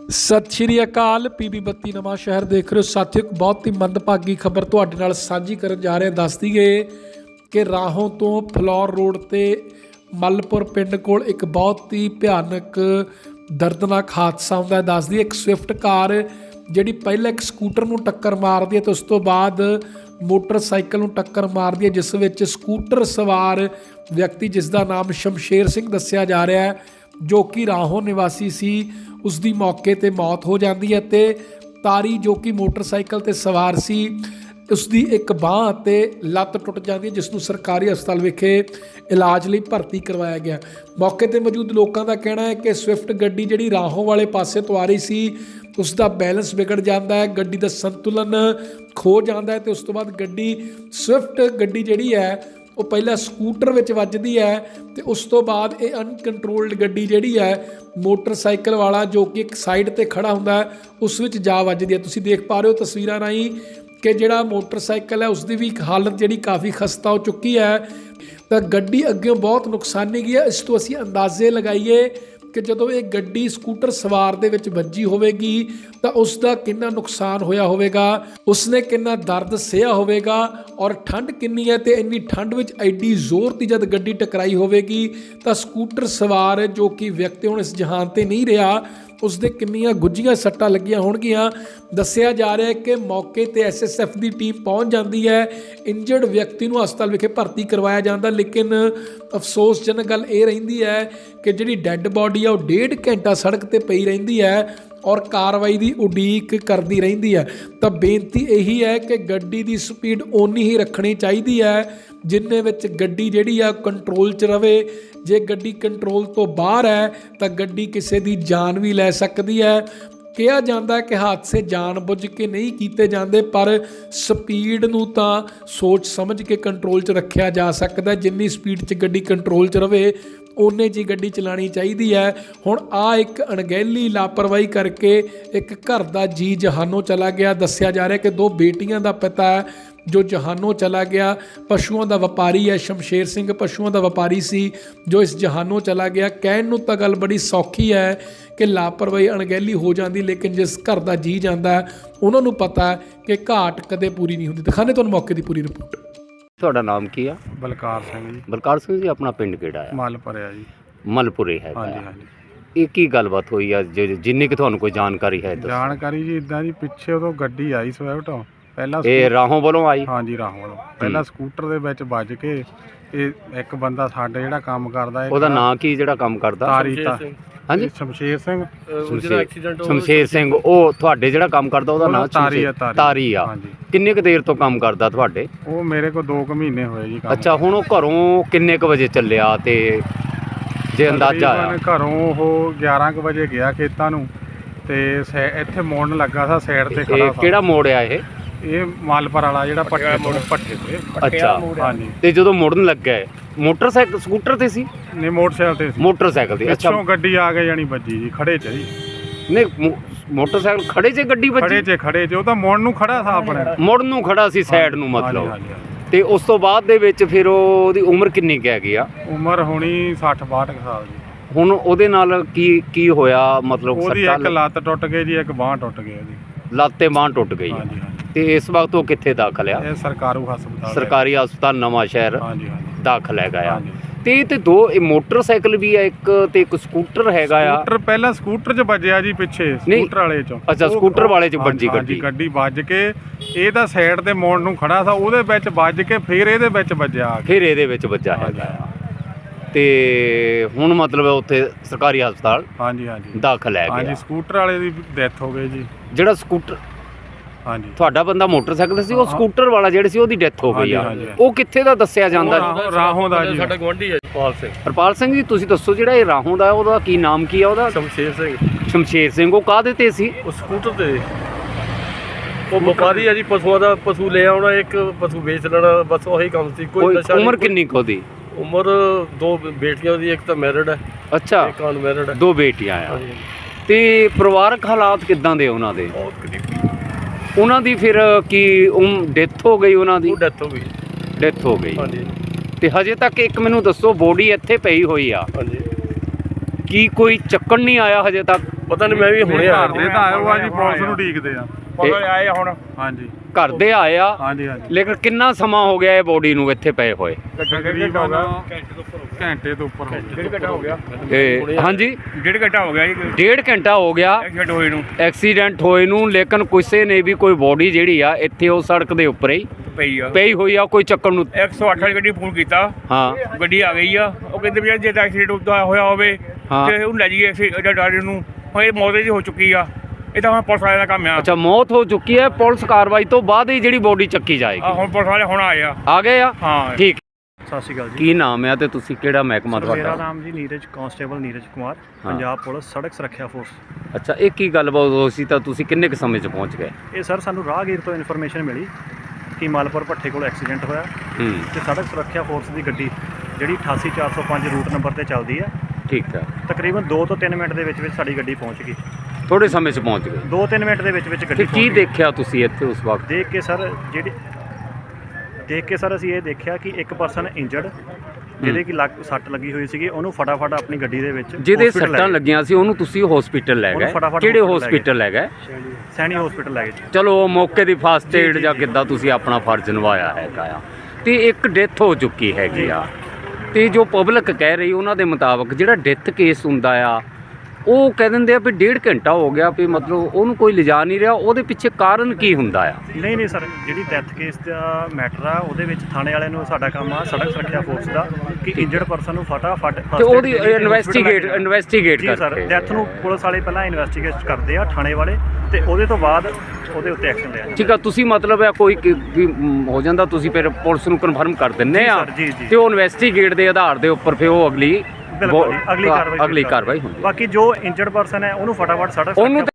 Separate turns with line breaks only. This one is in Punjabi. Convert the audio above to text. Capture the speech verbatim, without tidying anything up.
ਸਤਿ ਸ਼੍ਰੀ ਅਕਾਲ। ਪੀਬੀ ਬੱਤੀ ਨਵਾਂ ਸ਼ਹਿਰ ਦੇਖ ਰਹੇ ਹੋ ਸਾਥੀਓ। ਇੱਕ ਬਹੁਤ ਹੀ ਮੰਦਭਾਗੀ ਖਬਰ ਤੁਹਾਡੇ ਨਾਲ ਸਾਂਝੀ ਕਰਨ ਜਾ ਰਹੇ ਹਾਂ। ਦੱਸ ਦਈਏ ਕਿ ਰਾਹੋਂ ਤੋਂ ਫਲੌਰ ਰੋਡ ਤੇ ਮਲਪੁਰ ਪਿੰਡ ਕੋਲ ਇੱਕ ਬਹੁਤ ਹੀ ਭਿਆਨਕ ਦਰਦਨਾਕ ਹਾਦਸਾ ਹੁੰਦਾ ਹੈ। ਦੱਸ ਦਈਏ ਇੱਕ ਸਵਿਫਟ ਕਾਰ ਜਿਹੜੀ ਪਹਿਲਾਂ ਇੱਕ ਸਕੂਟਰ ਨੂੰ ਟੱਕਰ ਮਾਰਦੀ ਹੈ ਤੇ ਉਸ ਤੋਂ ਬਾਅਦ ਮੋਟਰਸਾਈਕਲ ਨੂੰ ਟੱਕਰ ਮਾਰਦੀ ਹੈ, ਜਿਸ ਵਿੱਚ ਸਕੂਟਰ ਸਵਾਰ ਵਿਅਕਤੀ ਜਿਸ ਦਾ ਨਾਮ ਸ਼ਮਸ਼ੇਰ ਸਿੰਘ ਦੱਸਿਆ ਜਾ ਰਿਹਾ ਹੈ, ਜੋ ਕਿ ਰਾਹੋਂ ਨਿਵਾਸੀ ਸੀ, ਉਸ ਦੀ ਮੌਕੇ ਤੇ ਮੌਤ ਹੋ ਜਾਂਦੀ ਹੈ ਤੇ ਤਾਰੀ ਜੋ ਕਿ ਮੋਟਰਸਾਈਕਲ ਤੇ ਸਵਾਰ ਸੀ, ਉਸ ਦੀ ਇੱਕ ਬਾਂਹ ਅਤੇ ਲੱਤ ਟੁੱਟ ਜਾਂਦੀ ਹੈ, ਜਿਸ ਨੂੰ ਸਰਕਾਰੀ ਹਸਪਤਾਲ ਵਿਖੇ ਇਲਾਜ ਲਈ ਭਰਤੀ ਕਰਵਾਇਆ ਗਿਆ। ਮੌਕੇ ਤੇ ਮੌਜੂਦ ਲੋਕਾਂ ਦਾ ਕਹਿਣਾ ਹੈ ਕਿ ਸਵਿਫਟ ਗੱਡੀ ਜਿਹੜੀ ਰਾਹੋਂ ਵਾਲੇ ਪਾਸੇ ਤੋਂ ਆ ਰਹੀ ਸੀ, ਉਸ ਦਾ ਬੈਲੈਂਸ ਵਿਗੜ ਜਾਂਦਾ ਹੈ, ਗੱਡੀ ਦਾ ਸੰਤੁਲਨ ਖੋ ਜਾਂਦਾ ਹੈ ਤੇ ਉਸ ਤੋਂ ਬਾਅਦ ਗੱਡੀ ਸਵਿਫਟ ਗੱਡੀ ਜਿਹੜੀ ਹੈ ਉਹ ਪਹਿਲਾਂ ਸਕੂਟਰ ਵਿੱਚ ਵੱਜਦੀ ਹੈ ਤੇ ਉਸ ਤੋਂ ਬਾਅਦ ਇਹ ਅਨਕੰਟਰੋਲਡ ਗੱਡੀ ਜਿਹੜੀ ਹੈ ਮੋਟਰਸਾਈਕਲ ਵਾਲਾ ਜੋ ਕਿ ਇੱਕ ਸਾਈਡ ਤੇ ਖੜਾ ਹੁੰਦਾ ਹੈ ਉਸ ਵਿੱਚ ਜਾ ਵੱਜਦੀ ਹੈ। ਤੁਸੀਂ ਦੇਖ ਪਾ ਰਹੇ ਹੋ ਤਸਵੀਰਾਂ ਰਾਹੀਂ ਕਿ ਜਿਹੜਾ ਮੋਟਰਸਾਈਕਲ ਹੈ ਉਸ ਦੀ ਵੀ ਹਾਲਤ ਜਿਹੜੀ ਕਾਫੀ ਖਸਤਾ ਹੋ ਚੁੱਕੀ ਹੈ ਤਾਂ ਗੱਡੀ ਅੱਗੇ ਬਹੁਤ ਨੁਕਸਾਨੀ ਗਈ ਹੈ। ਇਸ ਤੋਂ ਅਸੀਂ ਅੰਦਾਜ਼ੇ ਲਗਾਈਏ ਕਿ ਜਦੋਂ ਇਹ ਗੱਡੀ ਸਕੂਟਰ ਸਵਾਰ ਦੇ ਵਿੱਚ ਵੱਜੀ ਹੋਵੇਗੀ ਤਾਂ ਉਸ ਦਾ ਕਿੰਨਾ ਨੁਕਸਾਨ ਹੋਇਆ ਹੋਵੇਗਾ, ਉਸਨੇ ਕਿੰਨਾ ਦਰਦ ਸਹਿਆ ਹੋਵੇਗਾ ਔਰ ਠੰਡ ਕਿੰਨੀ ਹੈ। ਤੇ ਇੰਨੀ ਠੰਡ ਵਿੱਚ ਐਡੀ ਜ਼ੋਰ ਦੀ ਜਦ ਗੱਡੀ ਟਕਰਾਈ ਹੋਵੇਗੀ ਤਾਂ ਸਕੂਟਰ ਸਵਾਰ ਜੋ ਕਿ ਵਿਅਕਤੀ ਹੁਣ ਇਸ ਜਹਾਨ ਤੇ ਨਹੀਂ ਰਿਹਾ, ਉਸਦੇ ਕਿੰਨੀਆਂ ਗੁੱਝੀਆਂ ਸੱਟਾਂ ਲੱਗੀਆਂ ਹੋਣਗੀਆਂ। ਦੱਸਿਆ ਜਾ ਰਿਹਾ ਹੈ ਕਿ ਮੌਕੇ ਤੇ ਐਸ ਐਸ ਐਫ ਦੀ ਟੀਮ ਪਹੁੰਚ ਜਾਂਦੀ ਹੈ, ਇੰਜਰਡ ਵਿਅਕਤੀ ਨੂੰ ਹਸਪਤਾਲ ਵਿਖੇ ਭਰਤੀ ਕਰਵਾਇਆ ਜਾਂਦਾ। ਲੇਕਿਨ ਅਫਸੋਸਜਨਕ ਗੱਲ ਇਹ ਰਹਿੰਦੀ ਹੈ ਕਿ ਜਿਹੜੀ ਡੈੱਡ ਬੋਡੀ ਆ ਉਹ ਡੇਢ ਘੰਟਾ ਸੜਕ ਤੇ ਪਈ ਰਹਿੰਦੀ ਹੈ ਔਰ ਕਾਰਵਾਈ ਦੀ ਉਡੀਕ ਕਰਦੀ ਰਹਿੰਦੀ ਹੈ। ਤਾਂ ਬੇਨਤੀ ਇਹੀ ਹੈ ਕਿ ਗੱਡੀ ਦੀ ਸਪੀਡ ਓਨੀ ਹੀ ਰੱਖਣੀ ਚਾਹੀਦੀ ਹੈ ਜਿੰਨੇ ਵਿੱਚ ਗੱਡੀ ਜਿਹੜੀ ਆ ਕੰਟਰੋਲ 'ਚ ਰਵੇ। ਜੇ ਗੱਡੀ ਕੰਟਰੋਲ ਤੋਂ ਬਾਹਰ ਹੈ ਤਾਂ ਗੱਡੀ ਕਿਸੇ ਦੀ ਜਾਨ ਵੀ ਲੈ ਸਕਦੀ ਹੈ। ਕਿਹਾ ਜਾਂਦਾ ਹੈ ਕਿ ਹਾਦਸੇ ਜਾਣਬੁੱਝ ਕੇ ਨਹੀਂ ਕੀਤੇ ਜਾਂਦੇ, ਪਰ ਸਪੀਡ ਨੂੰ ਤਾਂ ਸੋਚ ਸਮਝ ਕੇ ਕੰਟਰੋਲ 'ਚ ਰੱਖਿਆ ਜਾ ਸਕਦਾ। ਜਿੰਨੀ ਸਪੀਡ 'ਚ ਗੱਡੀ ਕੰਟਰੋਲ 'ਚ ਰਵੇ ਓਨੇ 'ਚ ਹੀ ਗੱਡੀ ਚਲਾਉਣੀ ਚਾਹੀਦੀ ਹੈ। ਹੁਣ ਆ ਇੱਕ ਅਣਗਹਿਲੀ ਲਾਪਰਵਾਹੀ ਕਰਕੇ ਇੱਕ ਘਰ ਦਾ ਜੀ ਜਹਾਨੋਂ ਚਲਾ ਗਿਆ। ਦੱਸਿਆ ਜਾ ਰਿਹਾ ਕਿ ਦੋ ਬੇਟੀਆਂ ਦਾ ਪਿਤਾ ਹੈ ਜੋ ਜਹਾਨੋਂ ਚਲਾ ਗਿਆ। ਪਸ਼ੂਆਂ ਦਾ ਵਪਾਰੀ ਹੈ ਸ਼ਮਸ਼ੇਰ ਸਿੰਘ, ਪਸ਼ੂਆਂ ਦਾ ਵਪਾਰੀ ਸੀ ਜੋ ਇਸ ਜਹਾਨੋਂ ਚਲਾ ਗਿਆ। ਕਹਿਣ ਨੂੰ ਤਾਂ ਗੱਲ ਬੜੀ ਸੌਖੀ ਹੈ ਕਿ ਲਾਪਰਵਾਹੀ ਅਣਗਹਿਲੀ ਹੋ ਜਾਂਦੀ, ਲੇਕਿਨ ਜਿਸ ਘਰ ਦਾ ਜੀ ਜਾਂਦਾ ਉਹਨਾਂ ਨੂੰ ਪਤਾ ਹੈ ਕਿ ਘਾਟ ਕਦੇ ਪੂਰੀ ਨਹੀਂ ਹੁੰਦੀ। ਦਿਖਾਣੇ ਤੁਹਾਨੂੰ ਮੌਕੇ ਦੀ ਪੂਰੀ ਰਿਪੋਰਟ।
ਤੁਹਾਡਾ ਨਾਮ ਕੀ ਆ?
ਬਲਕਾਰ ਸਿੰਘ ਜੀ।
ਬਲਕਾਰ ਸਿੰਘ ਜੀ, ਆਪਣਾ ਪਿੰਡ ਕਿਹੜਾ ਆ?
ਮਲਪੁਰ ਆ ਜੀ।
ਮਲਪੁਰੇ ਹੈ।
ਹਾਂਜੀ ਹਾਂਜੀ।
ਇਹ ਕੀ ਗੱਲਬਾਤ ਹੋਈ ਆ ਜਿੰਨੀ ਕਿ ਤੁਹਾਨੂੰ ਕੋਈ ਜਾਣਕਾਰੀ ਹੈ?
ਜਾਣਕਾਰੀ ਜੀ ਇਦਾਂ ਜੀ, ਪਿੱਛੇ ਉਦੋਂ ਗੱਡੀ ਆਈ ਸਵਿਫਟ, ਪਹਿਲਾਂ
ਇਹ ਰਾਹੋਂ ਵੱਲੋਂ ਆਈ?
ਹਾਂਜੀ ਰਾਹੋਂ ਵੱਲੋਂ। ਪਹਿਲਾਂ ਸਕੂਟਰ ਦੇ ਵਿੱਚ ਵੱਜ ਕੇ ਇਹ ਇੱਕ ਬੰਦਾ ਸਾਡੇ ਜਿਹੜਾ ਕੰਮ ਕਰਦਾ,
ਉਹਦਾ ਨਾਂ ਕੀ ਜਿਹੜਾ ਕੰਮ ਕਰਦਾ?
ਤਾਰੀ ਤਾ
ਹਾਂਜੀ
ਸ਼ਮਸ਼ੇਰ ਸਿੰਘ।
ਸ਼ਮਸ਼ੇਰ ਸਿੰਘ, ਉਹ ਤੁਹਾਡੇ ਜਿਹੜਾ ਕੰਮ ਕਰਦਾ ਉਹਦਾ ਨਾਂ
ਤਾਰੀ ਆ?
ਤਾਰੀ ਆ। ਕਿੰਨੇ ਕੁ ਦੇਰ ਤੋਂ ਕੰਮ ਕਰਦਾ ਤੁਹਾਡੇ?
ਉਹ ਮੇਰੇ ਕੋਲ ਦੋ ਕੁ ਮਹੀਨੇ ਹੋਏ ਜੀ ਕੰਮ।
ਅੱਛਾ, ਹੁਣ ਉਹ ਘਰੋਂ ਕਿੰਨੇ ਕੁ ਵਜੇ ਚੱਲਿਆ ਤੇ ਜੇ ਅੰਦਾਜ਼ਾ ਆਇਆ?
ਘਰੋਂ ਉਹ ਗਿਆਰਾਂ ਕੁ ਵਜੇ ਗਿਆ ਖੇਤਾਂ ਨੂੰ ਤੇ ਇੱਥੇ ਮੋੜਨ ਲੱਗਾ ਸੀ ਸਾਈਡ ਤੇ ਖੜਾ।
ਕਿਹੜਾ ਮੋੜ ਆ ਇਹ?
ਇਹ ਮਾਲਪੁਰ ਵਾਲਾ ਜਿਹੜਾ ਪੱਠੇ ਪੱਠੇ ਤੇ।
ਅੱਛਾ
ਹਾਂਜੀ।
ਤੇ ਜਦੋਂ ਮੁੜਨ ਲੱਗਾ ਮੋਟਰਸਾਈਕਲ ਸਕੂਟਰ ਤੇ ਸੀ?
ਨਹੀਂ, ਮੋਟਰਸਾਈਕਲ ਤੇ ਸੀ।
ਮੋਟਰਸਾਈਕਲ ਤੇ।
ਅੱਛਾ, ਗੱਡੀ ਆ ਕੇ ਜਾਣੀ ਵੱਜੀ ਜੀ ਖੜੇ ਚ ਜੀ।
ਨਹੀਂ, ਮੋਟਰਸਾਈਕਲ ਖੜੇ 'ਚ ਗੱਡੀ ਵੱਜੀ?
ਖੜੇ 'ਚ ਖੜੇ 'ਚ ਉਹ ਤਾਂ ਮੁੜਨ ਨੂੰ ਖੜਾ ਸੀ, ਆਪਣੇ
ਮੁੜਨ ਨੂੰ ਖੜਾ ਸੀ ਸਾਈਡ ਨੂੰ ਮਤਲਬ। ਤੇ ਉਸ ਤੋਂ ਬਾਅਦ ਦੇ ਵਿੱਚ ਫਿਰ ਉਹਦੀ ਉਮਰ ਕਿੰਨੀ ਕੁ ਹੈਗੀ ਆ?
ਉਮਰ ਹੋਣੀ ਸੱਠ ਬਾਹਠ ਸਾਲ ਦੀ।
ਹੁਣ ਉਹਦੇ ਨਾਲ ਕੀ ਕੀ ਹੋਇਆ ਮਤਲਬ?
ਉਹਦੀ ਇੱਕ ਲੱਤ ਟੁੱਟ ਗਈ ਜੀ, ਇੱਕ ਬਾਂਹ ਟੁੱਟ ਗਈ ਉਹਦੀ।
ਲੱਤ ਤੇ ਬਾਂਹ ਟੁੱਟ ਗਈ।
ਹਾਂਜੀ ਹਾਂਜੀ।
ਤੇ ਇਸ ਵਕਤ ਉਹ ਕਿੱਥੇ ਦਾਖਲ ਆ?
ਇਹ ਸਰਕਾਰੂ ਹਸਪਤਾਲ,
ਸਰਕਾਰੀ ਹਸਪਤਾਲ ਨਵਾਂ ਸ਼ਹਿਰ
ਹਾਂਜੀ ਹਾਂਜੀ
ਦਾਖਲ ਹੈਗਾ ਆ। ਤੇ ਤੇ ਦੋ ਇਹ ਮੋਟਰਸਾਈਕਲ ਵੀ ਆ ਇੱਕ ਤੇ ਇੱਕ ਸਕੂਟਰ ਹੈਗਾ ਆ।
ਸਕੂਟਰ ਪਹਿਲਾਂ ਸਕੂਟਰ 'ਚ ਵੱਜਿਆ ਜੀ, ਪਿੱਛੇ ਸਕੂਟਰ ਵਾਲੇ 'ਚ।
ਅੱਛਾ, ਸਕੂਟਰ ਵਾਲੇ 'ਚ ਵੱਜੀ ਗੱਡੀ।
ਗੱਡੀ ਵੱਜ ਕੇ ਇਹਦਾ ਸਾਈਡ ਤੇ ਮੋੜ ਨੂੰ ਖੜਾ ਸੀ, ਉਹਦੇ ਵਿੱਚ ਵੱਜ ਕੇ ਫਿਰ ਇਹਦੇ ਵਿੱਚ ਵੱਜਿਆ,
ਫਿਰ ਇਹਦੇ ਵਿੱਚ ਵੱਜਾ ਹੈਗਾ ਆ। ਤੇ ਹੁਣ ਮਤਲਬ ਉੱਥੇ ਸਰਕਾਰੀ ਹਸਪਤਾਲ
ਹਾਂਜੀ ਹਾਂਜੀ
ਦਾਖਲ ਹੈ।
ਹਾਂਜੀ, ਸਕੂਟਰ ਵਾਲੇ ਦੀ ਡੈਥ ਹੋ ਗਈ ਜੀ।
ਜਿਹੜਾ ਸਕੂਟਰ
ਹਾਂਜੀ
ਤੁਹਾਡਾ ਬੰਦਾ ਮੋਟਰਸਾਈਕਲ ਸੀ, ਉਹ ਸਕੂਟਰ ਵਾਲਾ ਜਿਹੜੇ ਸੀ ਉਹਦੀ ਡੈਥ ਹੋ ਗਈ ਆ। ਉਹ ਕਿੱਥੇ ਦਾ ਦੱਸਿਆ ਜਾਂਦਾ?
ਰਾਹੋਂ ਦਾ ਜੀ,
ਸਾਡਾ ਗਵਾਂਢੀ ਹੈ ਹਰਪਾਲ ਸਿੰਘ।
ਹਰਪਾਲ ਸਿੰਘ ਜੀ, ਤੁਸੀਂ ਦੱਸੋ ਜਿਹੜਾ ਇਹ ਰਾਹੋਂ ਦਾ ਉਹਦਾ ਕੀ ਨਾਮ ਕੀ ਆ ਉਹਦਾ?
ਸ਼ਮਸ਼ੇਰ ਸਿੰਘ।
ਸ਼ਮਸ਼ੇਰ ਸਿੰਘ, ਉਹ ਕਾਹਦੇ ਤੇ ਸੀ?
ਉਹ ਸਕੂਟਰ ਤੇ। ਉਹ ਵਪਾਰੀ ਆ ਜੀ, ਪਸ਼ੂਆਂ ਦਾ। ਪਸ਼ੂ ਲੈ ਆਉਣਾ, ਇੱਕ ਪਸ਼ੂ ਵੇਚ ਲੈਣਾ, ਬਸ ਉਹੀ ਕੰਮ ਸੀ। ਕੋਈ ਨਸ਼ਾ।
ਉਮਰ ਕਿੰਨੀ ਕੁ ਉਹਦੀ?
ਉਮਰ ਦੋ ਬੇਟੀਆਂ ਦੀ, ਇੱਕ ਤਾਂ ਮੈਰਿਡ ਹੈ।
ਅੱਛਾ,
ਇੱਕ ਅਨਮੈਰਿਡ ਹੈ।
ਦੋ ਬੇਟੀਆਂ ਆ। ਤੇ ਪਰਿਵਾਰਕ ਹਾਲਾਤ ਕਿੱਦਾਂ ਦੇ ਉਹਨਾਂ ਦੇ?
ਬਹੁਤ ਗਰੀਬੀ।
ਉਹਨਾਂ ਦੀ ਫਿਰ ਕੀ ਡੈਥ ਹੋ ਗਈ? ਉਹਨਾਂ ਦੀ
ਡੈਥ ਹੋ ਗਈ।
ਡੈਥ ਹੋ ਗਈ।
ਹਾਂਜੀ।
ਤੇ ਹਜੇ ਤੱਕ ਇੱਕ ਮੈਨੂੰ ਦੱਸੋ, ਬੋਡੀ ਇੱਥੇ ਪਈ ਹੋਈ ਆ,
ਹਾਂਜੀ।
ਕੀ ਕੋਈ ਚੱਕਣ ਨਹੀਂ ਆਇਆ ਹਜੇ ਤੱਕ?
ਪਤਾ ਨਹੀਂ, ਮੈਂ ਵੀ ਹੁਣੇ ਆ
ਘਰ ਦੇ ਤਾਂ ਆਏ ਹੋ ਆ ਜੀ, ਪੁਲਿਸ ਨੂੰ ਉਡੀਕਦੇ ਆ।
ਇਹ
ਆਏ ਹੁਣ ਹਾਂਜੀ
ਘਰ ਦੇ ਆਏ ਆ,
ਹਾਂਜੀ ਹਾਂਜੀ
ਲੇਕਿਨ ਕਿੰਨਾ ਸਮਾਂ ਹੋ ਗਿਆ ਇਹ ਬੋਡੀ ਨੂੰ ਇੱਥੇ ਪਏ ਹੋਏ?
ਤਕਰੀਬਨ ਘੰਟੇ ਤੋਂ ਉੱਪਰ ਹੋ ਗਿਆ।
ਡੇਢ ਘੰਟਾ ਹੋ ਗਿਆ
ਤੇ ਹਾਂਜੀ
ਡੇਢ ਘੰਟਾ ਹੋ ਗਿਆ ਜੀ
ਡੇਢ ਘੰਟਾ ਹੋ ਗਿਆ
ਐਕਸੀਡੈਂਟ ਹੋਏ ਨੂੰ
ਐਕਸੀਡੈਂਟ ਹੋਏ ਨੂੰ, ਲੇਕਿਨ ਕਿਸੇ ਨੇ ਵੀ ਕੋਈ ਬੋਡੀ ਜਿਹੜੀ ਆ ਇੱਥੇ ਉਹ ਸੜਕ ਦੇ ਉੱਪਰ ਹੀ
ਪਈ ਆ
ਪਈ ਹੋਈ ਆ, ਕੋਈ ਚੱਕਣ ਨੂੰ।
ਇੱਕ ਸੌ ਅੱਠ ਵਾਲੀ ਗੱਡੀ ਫੋਨ ਕੀਤਾ,
ਹਾਂ
ਗੱਡੀ ਆ ਗਈ ਆ। ਉਹ ਕਹਿੰਦੇ ਵੀ ਯਾਰ ਜੇ ਤਾਂ ਐਕਸੀਡੈਂਟ ਹੋਇਆ ਹੋਵੇ
ਹਾਂ।
ਤੇ ਉਹਨੂੰ ਲੈ ਜਾਈਏ ਅਸੀਂ ਇਹਦਾ ਡਾਕਟਰ ਨੂੰ। ਹੁਣ ਇਹ ਮੌਤ ਦੀ ਹੋ ਚੁੱਕੀ ਆ, ਇਹ ਤਾਂ ਹੁਣ ਪੁਲਿਸ ਵਾਲਿਆਂ ਦਾ ਕੰਮ ਆ।
ਅੱਛਾ, ਮੌਤ ਹੋ ਚੁੱਕੀ ਹੈ, ਪੁਲਿਸ ਕਾਰਵਾਈ ਤੋਂ ਬਾਅਦ ਹੀ ਜਿਹੜੀ ਬੋਡੀ ਚੱਕੀ
ਆ
ਜਾਏਗੀ।
ਹੁਣ ਪੁਲਿਸ ਵਾਲੇ ਹੁਣ ਆਏ ਆ।
ਆ ਗਏ ਆ,
ਹਾਂ
ਠੀਕ।
ਸਤਿ ਸ਼੍ਰੀ ਅਕਾਲ ਜੀ।
ਕੀ ਨਾਮ ਹੈ ਤੇ ਤੁਸੀਂ ਕਿਹੜਾ ਮਹਿਕਮਾ
ਸਰ, ਮੇਰਾ
ਤੁਹਾਡਾ?
ਨਾਮ ਜੀ ਨੀਰਜ ਕਾਂਸਟੇਬਲ ਨੀਰਜ ਕੁਮਾਰ, ਪੰਜਾਬ ਪੁਲਿਸ ਸੜਕ ਸੁਰੱਖਿਆ ਫੋਰਸ।
ਅੱਛਾ, ਇਹ ਕੀ ਗੱਲਬਾਤ ਹੋਈ ਸੀ ਤਾਂ ਤੁਸੀਂ ਕਿੰਨੇ ਕੁ ਸਮੇਂ 'ਚ ਪਹੁੰਚ ਗਏ?
ਇਹ ਸਰ ਸਾਨੂੰ ਰਾਹਗੀਰ ਤੋਂ ਇਨਫੋਰਮੇਸ਼ਨ ਮਿਲੀ ਕਿ ਮਾਲਪੁਰ ਭੱਠੇ ਕੋਲ ਐਕਸੀਡੈਂਟ ਹੋਇਆ
ਹੂੰ,
ਤੇ ਸੜਕ ਸੁਰੱਖਿਆ ਫੋਰਸ ਦੀ ਗੱਡੀ ਜਿਹੜੀ ਅਠਾਸੀ ਚਾਰ ਸੌ ਪੰਜ ਰੂਟ ਨੰਬਰ ਤੇ ਚੱਲਦੀ ਹੈ,
ਠੀਕ ਹੈ।
ਤਕਰੀਬਨ ਦੋ ਤੋਂ ਤਿੰਨ ਮਿੰਟ ਦੇ ਵਿੱਚ ਵਿੱਚ ਸਾਡੀ ਗੱਡੀ ਪਹੁੰਚ ਗਈ।
ਥੋੜੇ ਸਮੇਂ 'ਚ ਪਹੁੰਚ ਗਏ
ਦੋ ਤਿੰਨ ਮਿੰਟ ਦੇ ਵਿੱਚ ਵਿੱਚ
ਤੇ
ਗੱਡੀ
ਕੀ
ਪਹੁੰਚ ਗਈ।
ਦੇਖਿਆ ਤੁਸੀਂ ਇੱਥੇ ਉਸ ਵਕਤ?
ਦੇਖ ਕੇ ਸਰ ਜਿਹੜੀ ਦੇਖ ਕੇ ਸਰ ਅਸੀਂ ਇਹ ਦੇਖਿਆ ਕਿ ਇੱਕ ਪਰਸਨ ਇੰਜਰਡ, ਜਿਹਦੇ ਕਿ ਲੱਕ ਸੱਟ ਲੱਗੀ ਹੋਈ ਸੀਗੀ, ਉਹਨੂੰ ਫਟਾਫਟ ਆਪਣੀ ਗੱਡੀ ਦੇ ਵਿੱਚ
ਜਿਹਦੇ
hospital ਲੈ
ਸੱਟਾਂ
ਗਏ।
ਲੱਗੀਆਂ ਸੀ ਉਹਨੂੰ ਤੁਸੀਂ ਹਸਪੀਟਲ ਲੈ
ਉਹਨੂੰ
ਗਏ?
ਫਟਾਫਟ
ਕਿਹੜੇ
hospital ਲੈ
ਹਸਪੀਟਲ ਲੈ ਗਏ?
ਸੈਣੀ ਹਸਪੀਟਲ ਲੈ ਗਏ ਜੀ।
ਚਲੋ, ਉਹ ਮੌਕੇ ਦੀ ਫਾਸਟ
ਜੀ,
ਏਡ
ਜੀ,
ਜਾਂ
ਜੀ।
ਕਿੱਦਾਂ ਤੁਸੀਂ ਆਪਣਾ ਫਰਜ਼ ਨਿਭਾਇਆ ਹੈਗਾ ਆ। ਤੇ ਇੱਕ ਡੈਥ ਹੋ ਚੁੱਕੀ ਹੈਗੀ ਆ, ਤੇ ਜੋ ਪਬਲਿਕ ਕਹਿ ਰਹੀ ਉਹਨਾਂ ਦੇ ਮੁਤਾਬਕ ਜਿਹੜਾ ਡੈਥ ਕੇਸ ਹੁੰਦਾ ਆ ਉਹ ਕਹਿ ਦਿੰਦੇ ਆ ਵੀ ਡੇਢ ਘੰਟਾ ਹੋ ਗਿਆ, ਵੀ ਮਤਲਬ ਉਹਨੂੰ ਕੋਈ ਲਿਜਾ ਨਹੀਂ ਰਿਹਾ। ਉਹਦੇ ਪਿੱਛੇ ਕਾਰਨ ਕੀ ਹੁੰਦਾ ਆ?
ਨਹੀਂ ਨਹੀਂ ਸਰ, ਜਿਹੜੀ ਡੈਥ ਕੇਸ ਦਾ ਮੈਟਰ ਆ ਉਹਦੇ ਵਿੱਚ ਥਾਣੇ ਵਾਲਿਆਂ ਨੂੰ ਸਾਡਾ ਕੰਮ ਆ ਸੜਕ ਸੁਰੱਖਿਆ ਫੋਰਸ ਦਾ ਕਿ ਇੰਜਰਡ ਪਰਸਨ ਨੂੰ ਫਟਾਫਟ
ਤੇ ਉਹਦੀ ਇਨਵੈਸਟੀਗੇਟ ਇਨਵੈਸਟੀਗੇਟ
ਜੀ ਸਰ,
ਕਰਕੇ
ਡੈਥ ਨੂੰ ਪੁਲਿਸ ਵਾਲੇ ਪਹਿਲਾਂ ਇਨਵੈਸਟੀਗੇਟ ਕਰਦੇ ਆ ਥਾਣੇ ਵਾਲੇ, ਤੇ ਉਹਦੇ ਤੋਂ ਬਾਅਦ ਉਹਦੇ ਉੱਤੇ ਐਕਸ਼ਨ ਲਿਆ ਜਾਂਦਾ।
ਠੀਕ ਆ, ਤੁਸੀਂ ਮਤਲਬ ਹੈ ਕੋਈ ਕਿ- ਵੀ ਮ, ਹੋ ਜਾਂਦਾ ਤੁਸੀਂ ਫਿਰ ਪੁਲਿਸ ਨੂੰ ਕਨਫਰਮ ਕਰ ਦਿੰਦੇ
ਜੀ
ਆ
ਸਰ, ਜੀ, ਜੀ।
ਤੇ ਉਹ ਇਨਵੈਸਟੀਗੇਟ ਦੇ ਆਧਾਰ ਦੇ ਉੱਪਰ ਫਿਰ ਉਹ ਅਗਲੀ
ਬਿਲਕੁਲ ਜੀ, ਅਗਲੀ ਕਾਰਵਾਈ
ਅਗਲੀ ਕਾਰਵਾਈ ਹੁੰਦੀ ਹੈ।
ਬਾਕੀ ਜੋ ਇੰਜਰਡ ਪਰਸਨ ਹੈ ਉਹਨੂੰ ਫਟਾਫਟ ਸੜਕ
ਉਹਨੂੰ
ਸੁਰੱਖਿਆ